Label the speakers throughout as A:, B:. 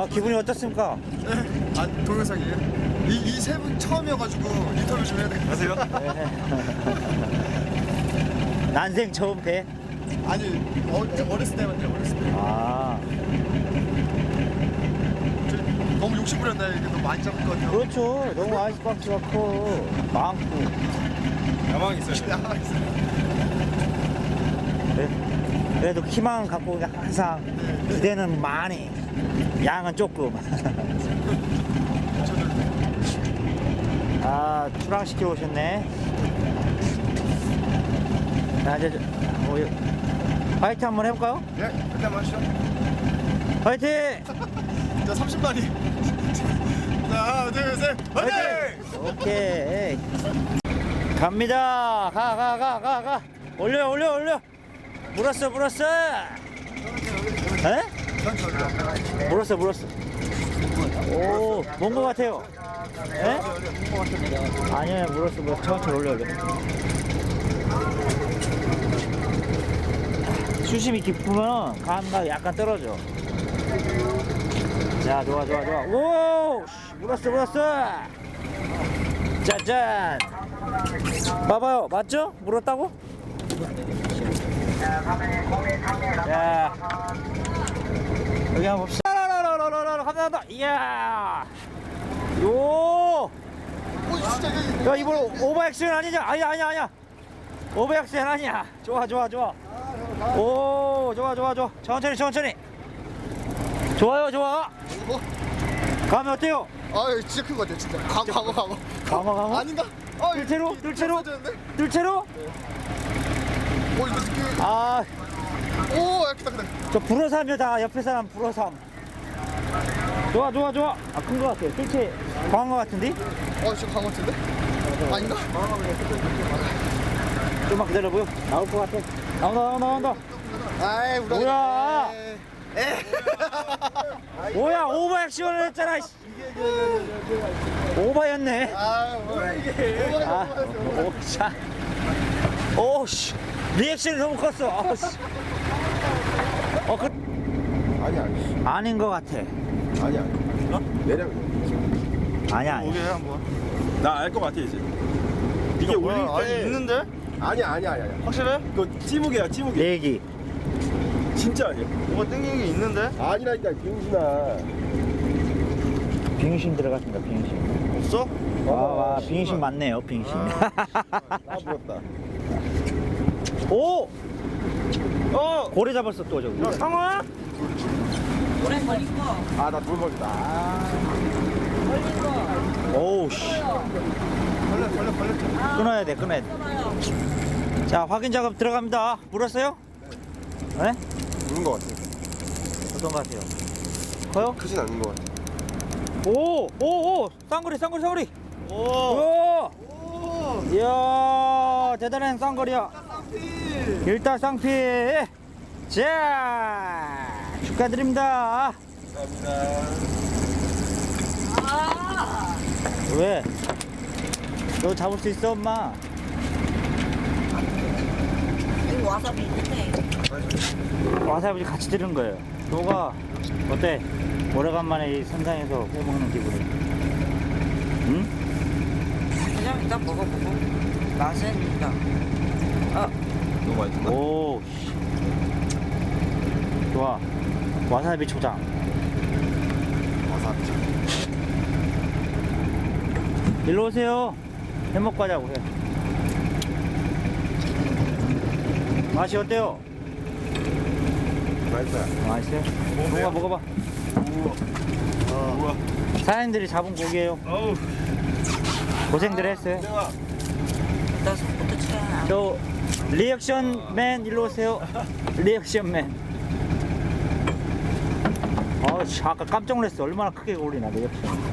A: 기분이 어떻습니까?
B: 네? 아, 동영상이에요? 이 세 분 처음이어가지고 인터뷰 좀 해야 될 것 같아요.
A: 난생 처음 배?
B: 아니, 어렸을 때만요, 어렸을 때.
A: 아,
B: 저 너무 욕심부렸나요? 이게 너무 많이 잡을 것 같아요.
A: 그렇죠. 너무 아이스박스가 커. 많고.
C: 야망 있어요.
A: 그래도 키만 갖고 항상 기대는 많이, 양은 조금. 아, 출항시키러 오셨네. 자, 이제 화이팅 한번 해볼까요?
B: 네, 일단 마시죠.
A: 화이팅!
B: 자, 30마리. 자, 하나, 둘, 셋, 화이팅!
A: 오케이. 갑니다. 가. 올려. 물었어. 에? 물었어. 오, 뭔 거 같아요? 에? 아니야, 물었어. 천천히 올려. 수심이 깊으면 감각 약간 떨어져. 자, 좋아. 오! 물었어. 짜잔! 봐봐요, 맞죠? 물었다고? 자, 여기 한번 봅시다. 감사합니다. 이야! 요!
B: 오, 진짜 이게.
A: 야, 이번 오버액션 아니냐? 아니야. 오버액션 아니야. 좋아. 오, 좋아. 천천히. 좋아요.
B: 이거?
A: 감이 어때요?
B: 아, 이거 진짜 큰 것 같아요, 진짜. 광어.
A: 강어?
B: 아닌가? 아,
A: 뜰채로?
B: 맞았는데?
A: 뜰채로?
B: 오, 이거 느낌.
A: 아,
B: 오, 야, 크다.
A: 저 불어삼이다. 옆에 사람 불어삼. 좋아. 아, 큰 거 같아요. 뜰채 광어 같은데?
B: 지금 광어 같은데? 아닌가?
A: 좀만 기다려보요. 나올 것 같아. 나온다.
B: 아이, 우리
A: 뭐야? 뭐야, 오버액션을 했잖아. 씨. 오버였네.
B: 아, 뭐야 이게?
A: 아, 오샤. 오씨. 리액션이 너무 컸어. 씨.
C: 아니.
A: 아닌 것 같아.
C: 아니. 내려.
A: 아니야.
D: 오게 한번.
C: 나 알 것 같아 이제. 이게 올릴 때.
D: 아니 있는데?
C: 아니야.
D: 확실해?
C: 이거 찌무게야 찌무게.
A: 얘기.
C: 진짜 아니야.
D: 뭐가 땡기는 게 있는데?
C: 아니라니까 빙신아.
A: 빙신 들어갔습니다. 빙신.
D: 없어?
A: 와, 빙신 맞네요. 빙신.
C: 아 부럽다.
A: 오! 고래 잡았어 또 저기.
D: 상어야?
C: 아나 돌벌이다.
A: 오우 씨. 끊어야 돼. 자, 확인 작업 들어갑니다. 물었어요? 네?
C: 부른 것 같아.
A: 어떤 것 같아요? 커요?
C: 크진 않은 것 같아.
A: 오! 쌍거리.
D: 오.
A: 이야, 대단한 쌍거리야. 일단 쌍피. 자, 축하드립니다.
C: 감사합니다.
A: 왜? 너 잡을 수 있어, 엄마?
E: 이거 와사비 있는데.
A: 와사비 같이 들은 거예요. 너가 어때? 오래간만에 이 선상에서 회 먹는 기분이. 응?
E: 그냥 일단 먹어보고 맛은 있다.
C: 너무 맛있다.
A: 오, 씨. 좋아. 와사비 초장.
C: 와사비.
A: 일로 오세요. 해 먹고 가자고 해. 맛이 어때요?
C: 맛있어요.
A: 맛있어요? 먹어봐.
C: 우와.
A: 사장님들이 잡은 고기예요.
D: 어우.
A: 고생들 했어요.
E: 일단 손부터 쳐야.
A: 저 리액션맨 일로 오세요. 리액션맨. 씨, 아까 깜짝 놀랐어. 얼마나 크게 올리나 리액션.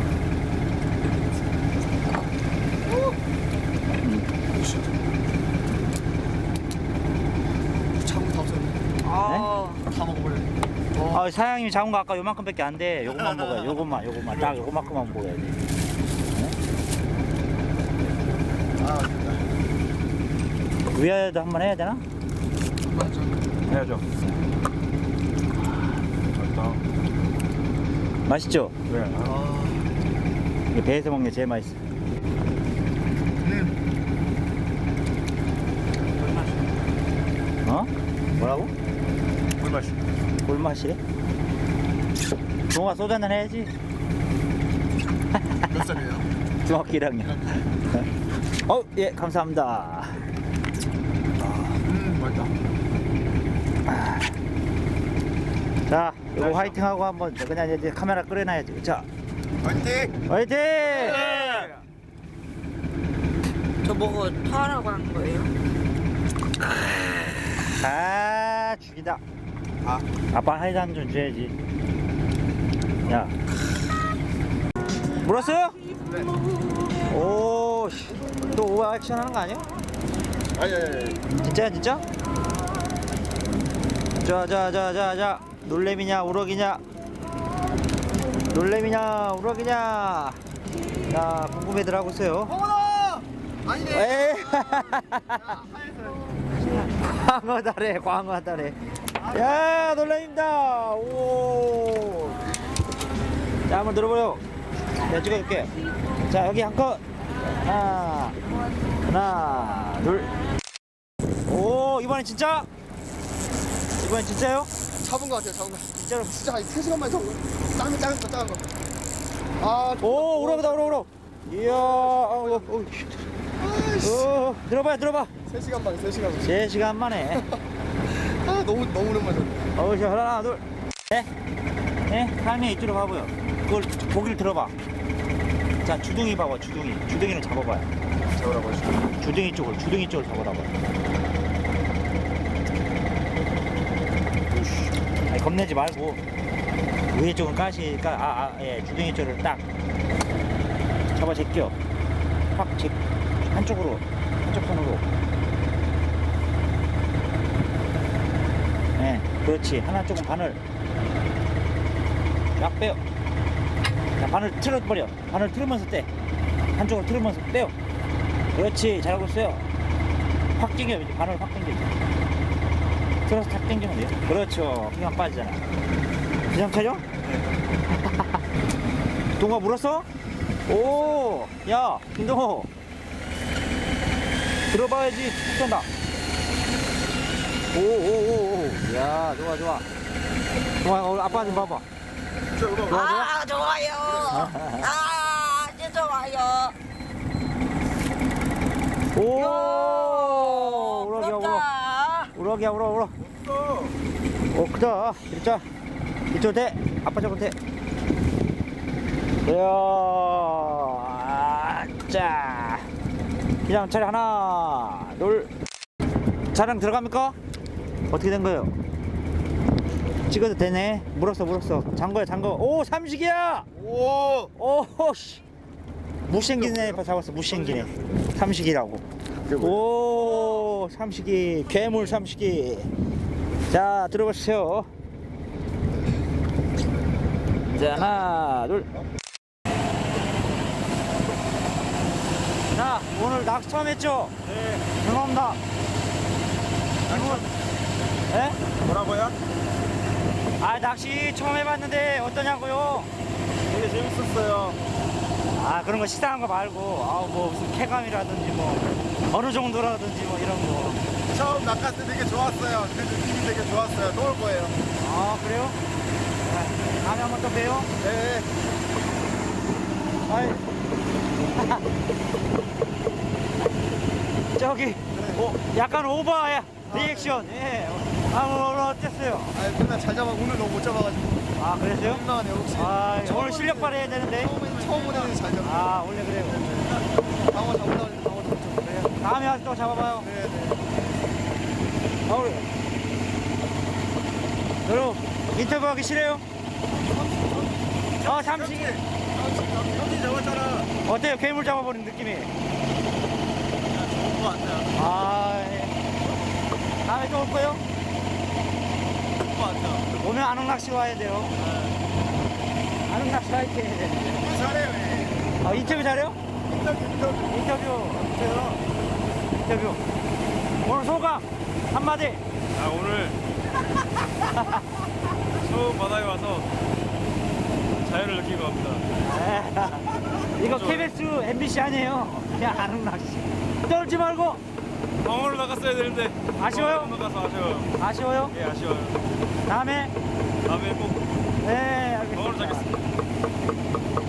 B: 참고 다 없었네. 다 먹어버려.
A: 사장님이 잡은 거 아까 요만큼밖에 안 돼. 요것만 먹어야 돼. 요것만 딱 요만큼만 먹어야 돼. 위에도 한번 해야 되나?
C: 해야죠. 맛있다.
A: 맛있죠?
C: 네.
A: 이게 배에서 먹는 게 제일 맛있어. 어? 뭐라고?
C: 꿀맛이.
A: 꿀맛이래? 동아 소주 한잔 해야지.
B: 몇 살이에요?
A: 중학교 1학년. 예, 감사합니다.
B: 맛있다.
A: 자, 이거 화이팅 하고 한번 그냥 이제 카메라 끄려놔야지. 자,
B: 화이팅!
A: 화이팅!
E: 저 보고 토하라고 한 거예요?
A: 아, 죽이다. 아빠 하이드 한 점 줘야지. 야, 물었어요?
B: 네.
A: 오, 씨. 또 오버 액션 하는 거 아니야?
B: 아니.
A: 진짜야, 진짜? 자. 놀래미냐, 우럭이냐? 놀래미냐, 우럭이냐? 자, 궁금해들 하고 있어요.
B: 어머나! 아니네.
A: 에이. 광어다래, 광어다래. 야, 놀래입니다. 오. 자, 한번 들어보요. 내가 찍어줄게. 자, 여기 한 컷. 하나, 둘. 오, 이번엔 진짜? 이번엔 진짜요?
B: 잡은 거 같아요, 잡은 거.
A: 진짜로.
B: 진짜 한 3시간만 더. 작은 거. 아,
A: 오, 우럭이다, 우럭. 이야, 들어봐.
B: 3시간 만에, 3시간 만에.
A: 3시간 만에.
B: 아, 너무 오랜만에 잡네.
A: 자, 하나, 둘. 네, 다음에 이쪽으로 가보요. 그걸 고기를 들어봐. 자, 주둥이 봐봐, 주둥이를 잡아봐요.
B: 잡으라고 하시죠.
A: 주둥이 쪽을 잡아봐요. 아니, 겁내지 말고 위에 쪽은 가시니까 예, 주둥이 쪽을 딱 잡아 제껴. 확 한쪽 손으로. 네, 그렇지. 하나 쪽은 바늘 쫙 빼요. 자, 바늘 틀어버려. 바늘 틀으면서 떼. 한쪽으로 틀으면서 떼요. 그렇지. 잘하고 있어요. 확 당겨. 이제 바늘 확 당겨. 틀어서 탁 당기면 돼요. 그렇죠. 그냥 빠지잖아. 그냥 차죠? 동아 물었어? 오, 야, 김동호. 들어봐야지. 쏜다. 오. 야, 좋아. 동아, 오늘 아빠 좀 봐봐.
E: 아, 좋아요. 아주 좋아요.
A: 오, 우럭이야, 우럭.
E: 부럽다.
A: 우럭이야, 우럭. 오, 크다. 진짜. 이쪽 대. 아빠 저거 대. 자. 그냥 차례 하나, 둘. 차량 들어갑니까? 어떻게 된 거예요? 찍어도 되네. 물었어. 잠궈요. 오, 삼식이야! 오, 씨. 무생기네. 잡았어. 무생기네. 삼식이라고. 오, 삼식이. 괴물 삼식이. 자, 들어보세요. 자, 하나, 둘. 자, 오늘 낚시 처음 했죠? 네. 죄송합니다. 이분, 예?
C: 뭐라고요?
A: 낚시 처음 해봤는데 어떠냐고요?
C: 되게 재밌었어요.
A: 그런 거 식상한 거 말고, 뭐 무슨 쾌감이라든지 뭐 어느 정도라든지 뭐 이런 거.
B: 처음 낚았을 때 되게 좋았어요. 그 느낌이 되게 좋았어요. 또 올 거예요.
A: 그래요? 네. 다음에 한번 또 봬요.
B: 네.
A: 아이. 저기, 약간 오버야. 리액션. 예. 오늘 어땠어요?
B: 맨날 잘 잡아. 오늘 너무 못 잡아가지고.
A: 그랬어요?
B: 민망하네요. 혹시.
A: 오늘 실력 발휘해야 되는데.
B: 처음 오는 잘 잡아.
A: 원래 그래요.
B: 방어 잡으려고 했는데 방어 잡죠.
A: 그래요. 다음에 와서 또 잡아봐요.
B: 네.
A: 우리. 여러분, 인터뷰하기 싫어요? 삼식이.
C: 형님 잡았잖아.
A: 어때요? 괴물 잡아버린 느낌이?
C: 좋은 거 같아요.
A: 예. 다음에 또 올 거예요?
C: 좋은 거 같아요.
A: 오면 안흥 낚시 와야 돼요. 안흥 낚시 화이팅 해야 되는데.
B: 잘해요.
A: 인터뷰 잘해요? 인터뷰. 오늘 소감 한마디.
C: 오늘 처음 바다에 와서 자연을 느끼고 갑니다.
A: 이거
C: 좋아요.
A: KBS MBC 아니에요. 그냥 아는 낚시. 떨지 말고.
C: 광어로 나갔어야 되는데.
A: 아쉬워요?
C: 광어로 나가서 아쉬워요.
A: 아쉬워요?
C: 예, 아쉬워요.
A: 다음에.
C: 다음에 꼭
A: 네, 알겠습니다.
C: 광어로 잡겠습니다.